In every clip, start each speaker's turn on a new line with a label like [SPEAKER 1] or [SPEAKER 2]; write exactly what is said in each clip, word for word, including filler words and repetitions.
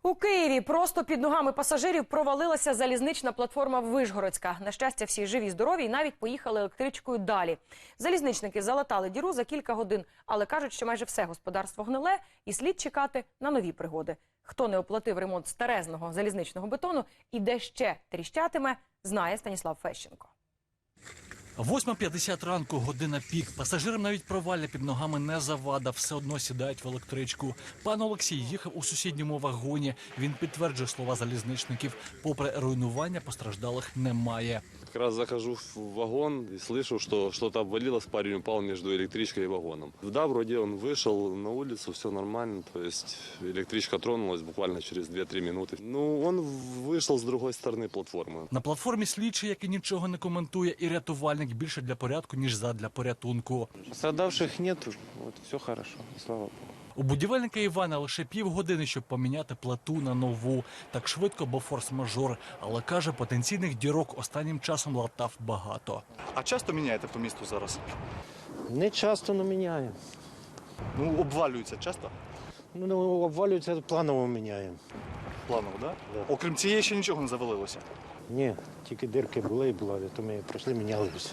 [SPEAKER 1] У Києві просто під ногами пасажирів провалилася залізнична платформа Вишгородська. На щастя, всі живі, здорові і навіть поїхали електричкою далі. Залізничники залатали діру за кілька годин, але кажуть, що майже все господарство гниле і слід чекати на нові пригоди. Хто не оплатив ремонт старезного залізничного бетону і де ще тріщатиме, знає Станіслав Фещенко.
[SPEAKER 2] восьма п'ятдесят ранку, година пік. Пасажирам навіть провалля під ногами не завада, все одно сідають в електричку. Пан Олексій їхав у сусідньому вагоні. Він підтверджує слова залізничників. Попри руйнування, постраждалих немає.
[SPEAKER 3] Как раз захожу в вагон и слышу, что что-то обвалилось, парень упал между электричкой и вагоном. Да, вроде он вышел на улицу, все нормально, то есть электричка тронулась буквально через две-три минуты. Ну, он вышел с другой стороны платформы.
[SPEAKER 2] На платформі слідчий, який нічого не коментує, і рятувальник більше для порядку, ніж задля порятунку.
[SPEAKER 4] Пострадавших нет, вот, все хорошо, слава Богу.
[SPEAKER 2] У будівельника Івана лише півгодини, щоб поміняти плиту на нову. Так швидко, бо форс-мажор. Але, каже, потенційних дірок останнім часом латав багато.
[SPEAKER 5] А часто міняєте по місту зараз?
[SPEAKER 6] Не часто, але міняємо.
[SPEAKER 5] Ну, обвалюється часто?
[SPEAKER 6] Ну, обвалюється, планово міняємо.
[SPEAKER 5] Планово, да?
[SPEAKER 6] Да.
[SPEAKER 5] Окрім цієї ще нічого не завалилося?
[SPEAKER 6] Ні, тільки дирки були і були, то ми пройшли, міняли все.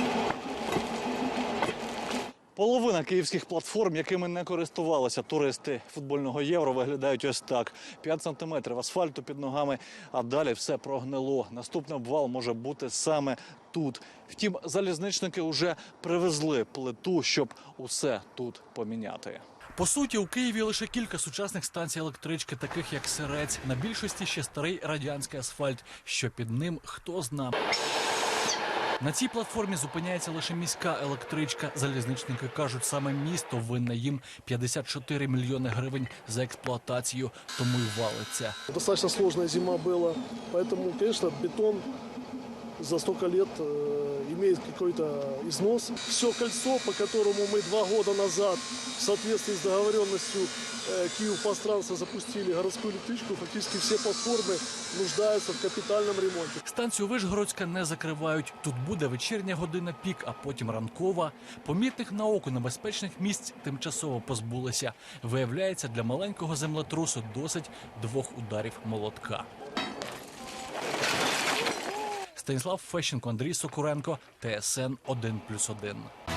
[SPEAKER 5] Половина київських платформ, якими не користувалися туристи футбольного Євро, виглядають ось так. п'ять сантиметрів асфальту під ногами, а далі все прогнило. Наступний обвал може бути саме тут. Втім, залізничники вже привезли плиту, щоб усе тут поміняти.
[SPEAKER 2] По суті, у Києві лише кілька сучасних станцій електрички, таких як Сирець. На більшості ще старий радянський асфальт. Що під ним, хто зна. На цій платформі зупиняється лише міська електричка. Залізничники кажуть, саме місто винне їм п'ятдесят чотири мільйони гривень за експлуатацію, тому й валиться.
[SPEAKER 7] Достаточно сложная зима была, поэтому, конечно, бетон за столько лет э, имеет какой-то износ. Все кольцо, по которому мы два года назад в соответствии с договоренностью э, Киевпространства запустили городскую электричку, фактически все платформы нуждаются в капитальном ремонте.
[SPEAKER 2] Станцію Вишгородська не закривають. Тут буде вечірня година пік, а потім ранкова. Помітних на око небезпечних місць тимчасово позбулися. Виявляється, для маленького землетрусу досить двох ударів молотка. Станіслав Фещенко, Андрій Сокуренко, Т С Н один плюс один.